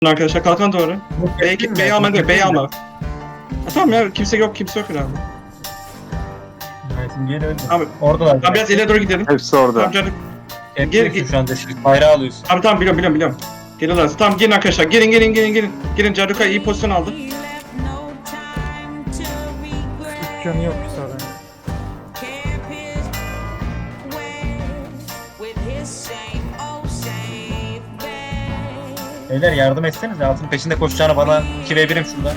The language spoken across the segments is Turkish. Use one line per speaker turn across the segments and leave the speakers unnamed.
Arkadaşlar kalkan doğru. B'yi alma değil, B'yi alma. Tamam ya kimse yok herhalde.
Evet, geri öldü.
Abi,
Oradalar.
Abi biraz ileri doğru gidelim.
Hepsi orada.
Tamam canım.
Geri şu anda şimdi bayrağı alıyorsun.
Tamam biliyorum. Geliyorlar. Tamam gelin arkadaşlar. Gelin. Gelin Caruka iyi pozisyon aldı.
Canı yok zaten.
Beyler yardım etsenize, altın peşinde koşacağını bana 2v1'im şurada.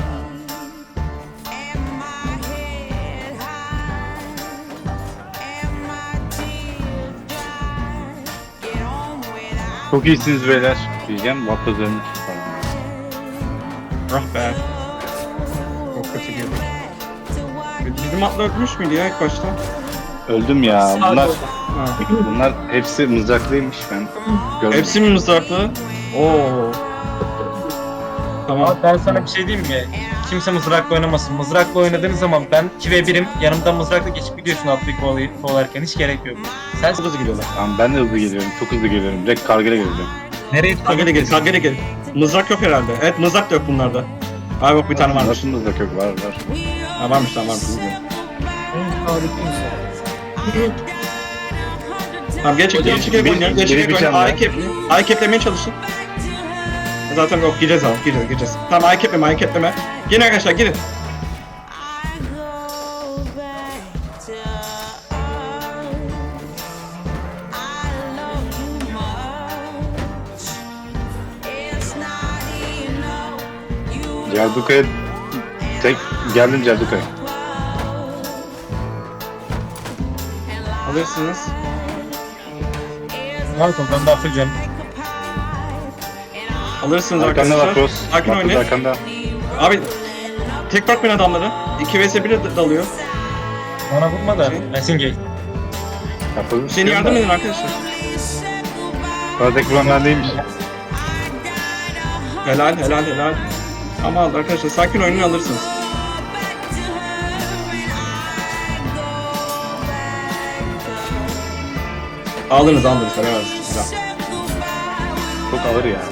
Çok iyisiniz beyler diyeceğim. Vapazlarını
Ah be. Çok kötü girdik. Bizim atlar ölmüş müydü ya ilk başta?
öldüm ya.
Ha.
Bunlar hepsi mızraklıymış ben. Gördüm.
Hepsi mi mızraklı? Oo. Tamam.
Ama ben sana bir şey diyeyim mi? Kimse mızrakla oynamasın. Mızrakla oynadığınız zaman ben 2v1'im, yanımdan mızrakla geçip gidiyorsun atlayıp kovalarken, hiç gerek yok. Sen
Çok hızlı gidiyorlar.
Tamam, ben de hızlı geliyorum. Çok hızlı geliyorum. Direkt kargıya geleceğim.
nereye
Kagere gel. Mızrak yok herhalde. Evet mızrak da yok bunlarda. Abi bak bir tane varmış.
Nasıl mızrak yok? Var.
Ha varmış lan varmış. Bilmiyorum.
En sağlıklı insan.
Tamam geri çek oynayalım. Geri çek oynayalım. A'yı keplemeye çalışın. Zaten yok gireceğiz abi gireceğiz. Tamam A'yı kepleme. Gelin arkadaşlar girin.
Cerduka'ya tek geldim Cerduka'ya.
Alırsınız.
Malcolm, ben daha full canım.
Alırsınız
Arkanda
arkadaşlar.
var Cross.
Sakin
Vapaz
oynayın.
arkanda.
Abi tek bırakmayın adamları. 2 vs 1 dalıyor.
Bana vurma da.
Şey.
Messingate.
Vapaz'ın
Seni yardım edin arkadaşlar.
Tek vuran ben değilmiş.
Helal. Ama arkadaşlar sakin oynayın alırsınız. Aldınız. Helal olsun. Güzel.
Çok ağır ya.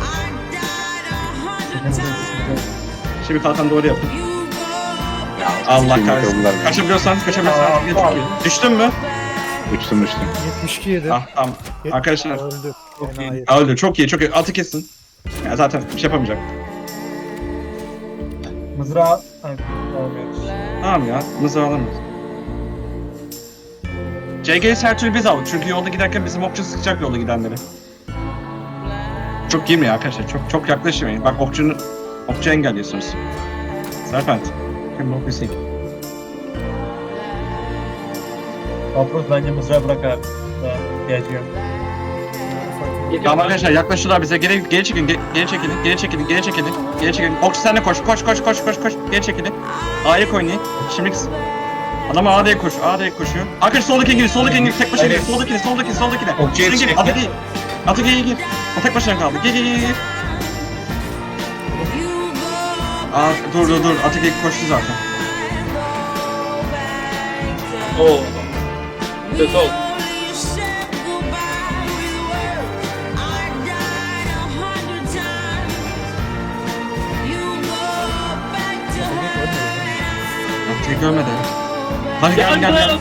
Şimdi kalkan doğru yapın. Allah
Şimdi
kahretsin.
yıkıldılar beni.
Kaçabiliyorsanız. Düştün mü?
Uçtum.
72 yedi.
Ah tamam. Arkadaşlar.
Öldü. Enayi.
Öldü. Çok iyi. Atı kesin. Ya zaten bir şey yapamayacak.
Mızrağı... Ay, almıyoruz.
Tamam ya. Mızrağı alamıyoruz. CG'yi her türlü biz aldık. Çünkü yolda giderken bizim okçu sıkacak yolda gidenleri. Çok girmeyin arkadaşlar. Çok yaklaşmayın. Bak okçu engelliyorsunuz. Serpent. Kim bu Hüseyin?
Vapuz bence mızrağı bırak abi. Daha ihtiyacı yok.
Tamam arkadaşlar yaklaşıyorlar bize. Geri çekilin. Okçu sen de koş. Geri çekilin. A'ya oynayın. Şimdi adam A'ya koşuyor. Arkadaş soldaki İngiliz. Tek başına gir. Soldakine.
Okçuya
Gir.
çekti.
Atı değil. Atı gir. O tek başına kaldı. Gir. Aa dur. Atı koştu zaten.
Oo. Kötü oldu.
Atı görmedi. Hadi gel.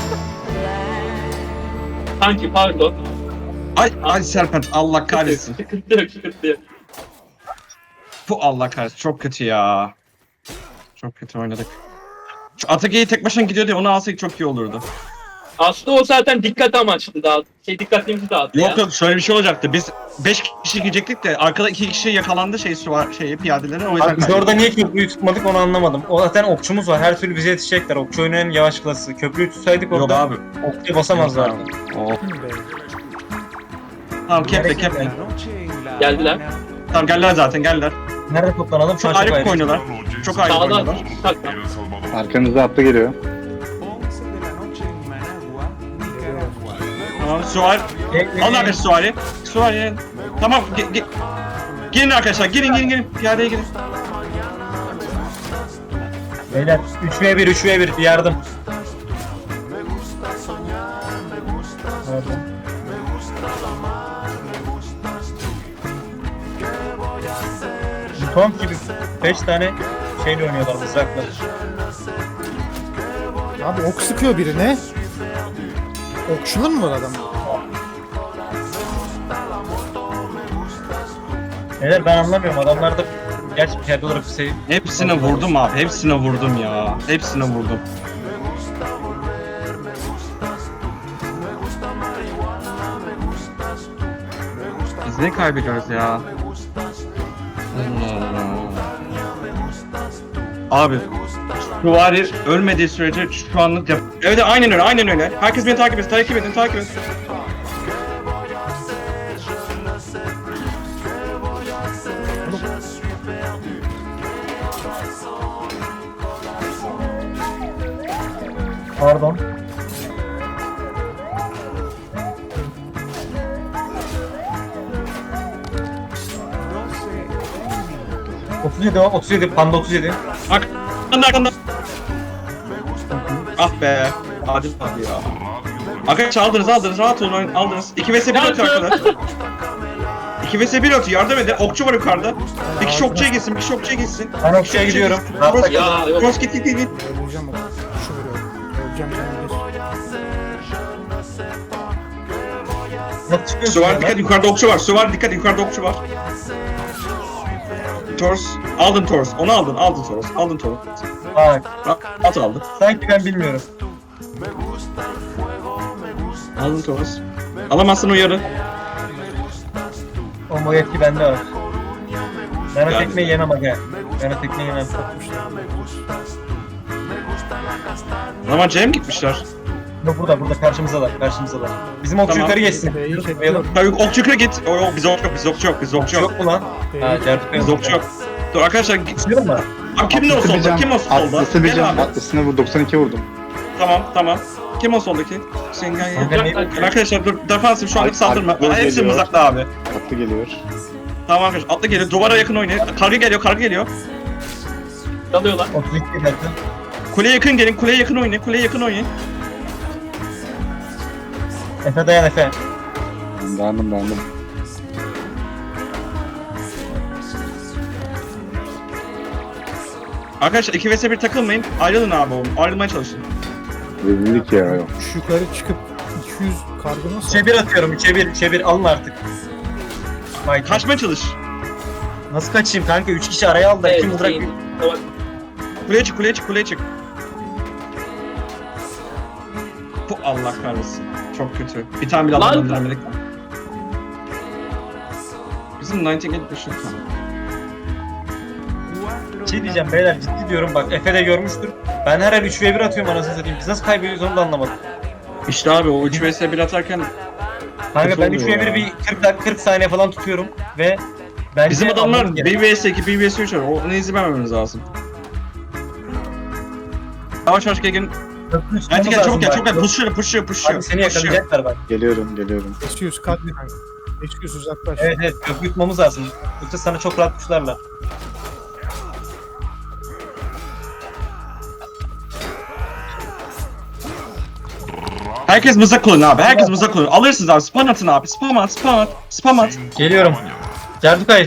Sanki pardon.
Ay Serpent Allah kahretsin.
Sıkıntı yok.
Bu Allah kahretsin. Çok kötü ya. Çok kötü oynadık. Şu Atage'yi tek başına gidiyor diye onu alsak çok iyi olurdu.
Aslında o zaten dikkat amaçlı dağıttı. Dikkatimizi dağıttı ya.
Yok şöyle bir şey olacaktı. Biz 5 kişi gidecektik de arkada 2 kişi yakalandı piyadelerin o yüzden
Abi biz orada niye köprüyü tutmadık onu anlamadım. O zaten okçumuz var. Her türlü bize yetişecekler. Okçu oyunun yavaş klası. Köprüyü tutsaydık
Yok
orada
abi.
okçuya basamazlardı.
Oh. Tamam keple.
Geldiler.
Tamam geldiler zaten.
Nerede toplanalım? Şu an
Çok
çok
ayrı
ayrı.
oynuyorlar. Çok ayrı
Sağdan.
oynuyorlar.
Takla.
Arkanızda atlı geliyor.
Tamam Suari. Alın arkadaşlar Suari. Suari. Tamam girin arkadaşlar. Girin. Piyadeye girin.
Beyler 3v1 bir yardım. Nerede? Tom gibi 5 tane şeyle oynuyorlar mızrakla.
Abi ok sıkıyor birine. Okçulun mu var adam?
Neler ben anlamıyorum adamlarda gerçi piyade olarak bir şey.
Hepsine vurdum abi. Hepsine vurdum ya. Hepsine vurdum. Biz ne kaybediyoruz ya? Allah Allah. Abi Süvari ölmediği sürece şu anlık yap. Evet aynen öyle aynen öyle. Herkes beni takip etsin takip edin.
Pardon. ...37 o, 37, panda 37.
Arkanda. Ah be. Adil abi ya. Arkadaşlar aldınız rahat olun aldınız. 2 vs 1 atıyor arkadaşlar. 2 vs 1 atıyor yardım edin. Okçu var yukarıda. Bir kişi okçuya gitsin.
Ben okçuya gidiyorum.
Cross
Ya yok.
Cross git.
Öleceğim bak. Şu vuruyor. Öleceğim canım bir.
Nasıl çıkıyorsun?
Süvar
ya
dikkat
lan?
yukarıda okçu var. Süvar dikkat yukarıda okçu var. Tors. Aldın Tors. Onu aldın Tors. Aldın Tors.
Bak,
At aldın.
sanki ben bilmiyorum.
Aldın Tors. Alamazsın uyarı.
O yetki bende var. Ben o
Yani.
tekmeyi yemem aga. Ben o tekmeyi yemem.
Ama Cem gitmişler.
Yok burada karşımızdalar. Bizim okçu
Tamam.
yukarı geçsin.
B'yi
Dur,
çekiyor.
Tabii okçu yukarı git. Yok biz okçu yok.
Yok mu lan? Ha, Cerduk
Biz okçu yok. Dur arkadaşlar git.
Çıkıyor mu?
Abi kim ne o solda? Kim o solda?
Atlısı bir
Gel
can.
abi.
Atlısına vur 92 vurdum.
Tamam. Kim o soldaki? Sen gel
Kanka
ya.
ne-
Arkadaşlar dur defansif şu anlık saldırma.
Ark-
Hepsi
geliyor.
mızraklı abi.
Atlı geliyor.
Tamam arkadaşlar atla geliyor. Duvara yakın oynayın. Kargı geliyor.
Dalıyorlar.
32 dakika.
Kuleye yakın oynayın.
Efe dayan Efe.
Dayandım.
Arkadaşlar 2 vs 1 takılmayın. Ayrılın abi oğlum. Ayrılmaya çalışın.
Rezillik ya. Yok.
Şu yukarı çıkıp 200 kargı nasıl?
3'e 1 atıyorum. 3'e 1 alın artık. Vay,
Kaçmaya çalış.
nasıl kaçayım kanka? 3 kişi araya aldı. 2 mızrak.
Tamam.
Kuleye çık. Bu Allah kahretsin. Çok kötü. Bir tane bile
Lan!
alamadım denemedik. Bizim 98 dışı.
Şey diyeceğim beyler ciddi diyorum bak Efe de görmüştür. Ben her el 3v1 atıyorum anasını satayım. Biz nasıl kaybediyoruz onu da anlamadım.
İşte abi o 3 vs 1 atarken
Kanka
Kötü
ben
oluyor
3v1
ya.
bir 40 saniye falan tutuyorum ve bence
bizim adamlar
almamız gerek.
1 vs 2, 1 vs 3 var. Ona izin vermememiz lazım. Yavaş gelin.
Köprü üstüne
Hadi gel
lazım
çabuk gel.
bak.
Pushluyor.
Abi seni yakalayacaklar bak.
Geliyorum.
500 kargı kanka. 500 uzaklaş.
Evet köprü yutmamız lazım. Yoksa sana çok rahat kuşlarla.
Herkes mızrak kullanın abi. Alırsınız abi. Spam atın abi. Spam at.
Geliyorum. Cerdukay.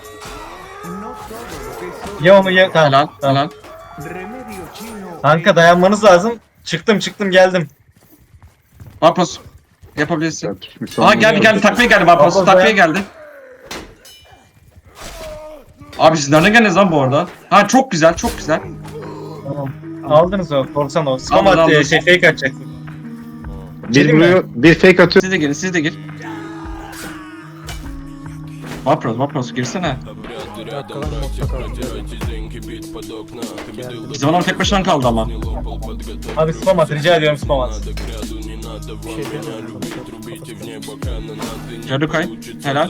Ya onu ya. Tamam.
Helal.
Kanka dayanmanız lazım. Çıktım geldim.
Vapos. Yapabilirsin.
Ya, tutmuş
Aa geldi. Takviye geldi Vapos.
Vapos
Takviye
dayan.
geldi. Abi siz nereden geldiniz lan bu arada? Ha çok güzel.
Tamam. Aldınız o. Korsan o. Spam
Aldım.
attı. Fake atacaktı.
Bir vuruyor. Bir fake atıyor.
Siz de gir. Vapos girsene.
Dakikalar modda kaldı.
Bizim adam tek başına kaldı ama.
Abi spam at. Rica ediyorum spam at.
Bir şey demiyorum.
Jadukay. Helal.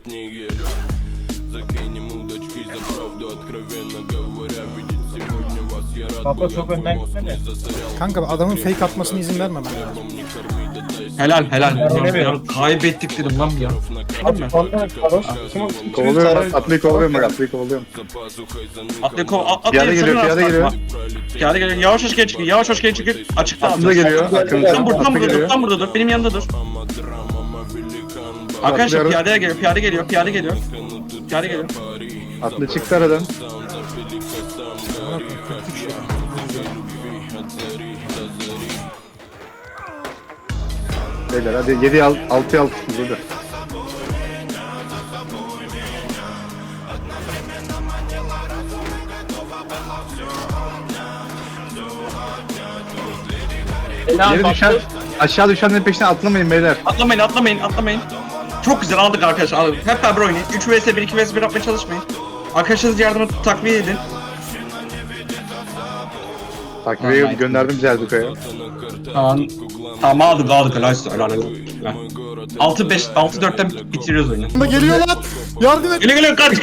Papa çok önden gitmedi.
Kanka adamın fake atmasına izin vermemem lazım.
Helal.
Oynamıyorum.
Ya, kaybettik dedim lan ya. Değil mi?
Kovalıyorum. Atlıyı kovalıyorum. Piyade geliyor.
Piyade geliyor. Yavaş hoş geri çıkın. Açıkta
Atlı da
alacağız.
geliyor. Arkamızdan.
Tam
Atlı geliyor.
burada dur. Benim yanında dur. Arkadaşlar
Atlıyorum.
piyade geliyor.
Atlı çıktı aradan.
Bana koyayım, 43 ya.
Beyler hadi 7'ye 6'ya 6 burada.
Helal
Geri düşen,
baktı.
aşağı düşenlerin peşine atlamayın beyler.
Atlamayın. Çok güzel aldık arkadaşlar. Aldık. Hep beraber oynayın. 3 vs 1, 2 vs 1 yapmaya çalışmayın. Arkadaşınız yardımı takviye edin.
Takviye
Tamam,
gönderdim Celduka'ya.
Tamam aldık. Helal. 6-4'ten bitiriyoruz oyunu.
Bunda geliyor lan. Yardım et.
Geliyor kaç.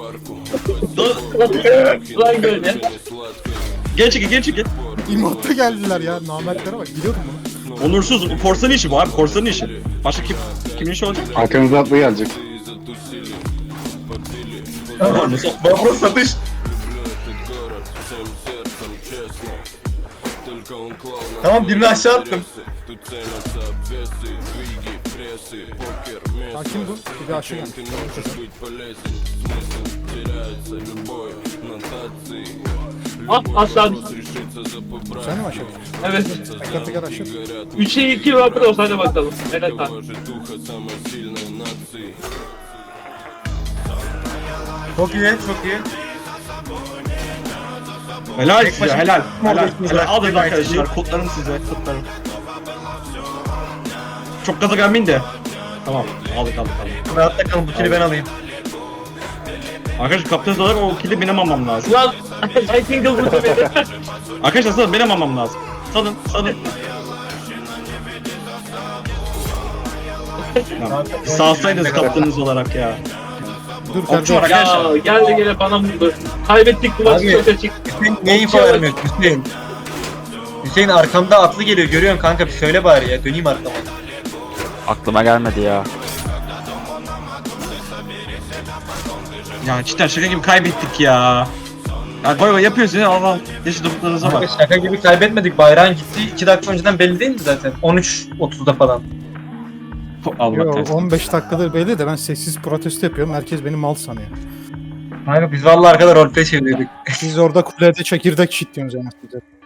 Ulan böyle.
Geri çekil.
İmot'ta geldiler ya. Namertlere bak. Biliyordum bunu.
Onursuz. Korsanın işi bu abi. Korsanın işi. Başka kimin işi olacak?
Arkanızda atlı gelecek.
Baba satış. Tamam birini aşağı attım.
Hakim bu. Bir de aşağı geldi.
Ah aşağı düştü.
Sen de mi aşağı geldin?
Evet.
Teker aşağı.
3'e 2 vakit olsa hadi bakalım. Evet abi.
Çok iyi.
Helal
Tek
size.
başına-
Helal.
Tek
Alın
başına-
arkadaşlar. Kutlarım size. Çok gaza gelmeyin de. Tamam. Aldık.
Rahatta kalın bu kili ben alayım.
Arkadaşlar kaptanız olarak o kili benim almam lazım.
Ulan I think vurdu beni.
Arkadaşlar salın benim almam lazım. Salın. Sağsaydınız kaptanınız olarak ya.
Dur
Okçu var
kardeşim.
arkadaşlar.
Ya geldi gene bana vurdu. Kaybettik bu maçı
Abi.
çok açık.
Hüseyin niye info vermiyorsun Hüseyin? Hüseyin arkamda atlı geliyor görüyorsun kanka bir söyle bari ya döneyim arkama.
Aklıma gelmedi ya.
Ya cidden şaka gibi kaybettik ya. Ya koy yapıyorsun ya Allah. Yaşı topuklarınıza
Kanka
bak.
şaka gibi kaybetmedik bayrağın gitti 2 dakika önceden belli değil mi zaten? 13.30'da falan.
Allah
Yo,
kahretsin.
15 dakikadır belli de ben sessiz protesto yapıyorum. Herkes beni mal sanıyor.
Kanka biz vallahi arkada roleplay çeviriyorduk.
Siz orada kulede çekirdek çitliyorsunuz yani.